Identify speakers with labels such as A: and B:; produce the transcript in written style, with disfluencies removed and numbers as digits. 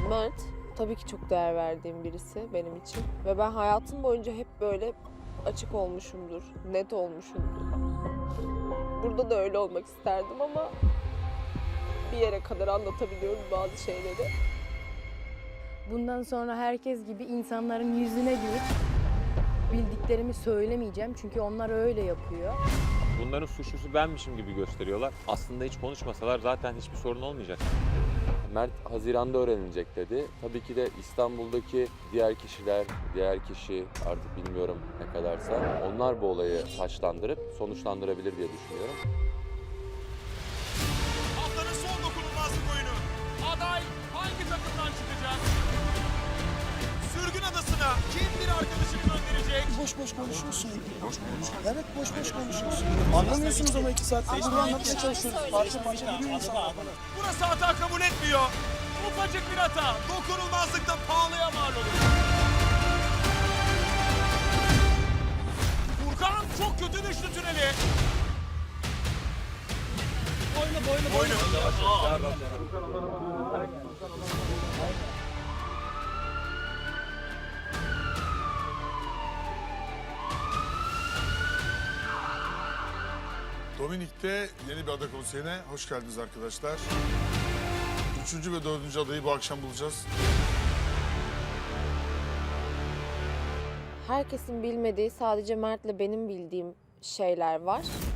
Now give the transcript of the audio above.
A: Mert tabii ki çok değer verdiğim birisi benim için. Ve ben hayatım boyunca hep böyle açık olmuşumdur, net olmuşumdur. Burada da öyle olmak isterdim ama bir yere kadar anlatabiliyorum bazı şeyleri.
B: Bundan sonra herkes gibi insanların yüzüne gülüp bildiklerimi söylemeyeceğim. Çünkü onlar öyle yapıyor.
C: Bunların suçlusu benmişim gibi gösteriyorlar. Aslında hiç konuşmasalar zaten hiçbir sorun olmayacak.
D: Mert Haziran'da öğrenilecek dedi. Tabii ki de İstanbul'daki diğer kişiler, diğer kişi artık bilmiyorum ne kadarsa onlar bu olayı taşlandırıp sonuçlandırabilir diye düşünüyorum.
E: Haftanın son dokunulmazlık oyunu. Aday hangi takımdan çıkacak? Sürgün adasına kim bir arkadaşını gönderecek?
F: Boş boş konuşuyorsun. Boş konuş. Evet boş boş konuşuyorsun. Anlamıyorsunuz ama 2 saat burada anlatmaya çalışıyoruz. Parça parça biliyor insanlar bana.
E: Burası hata kabul etmiyor. Ufacık bir hata dokunulmazlıkta pahalıya mal olur. Furkan çok kötü düştü tüneli. Boynu.
G: Dominik'te yeni bir ada konseyine hoş geldiniz arkadaşlar. 3. ve 4. adayı bu akşam bulacağız.
A: Herkesin bilmediği sadece Mert'le benim bildiğim şeyler var.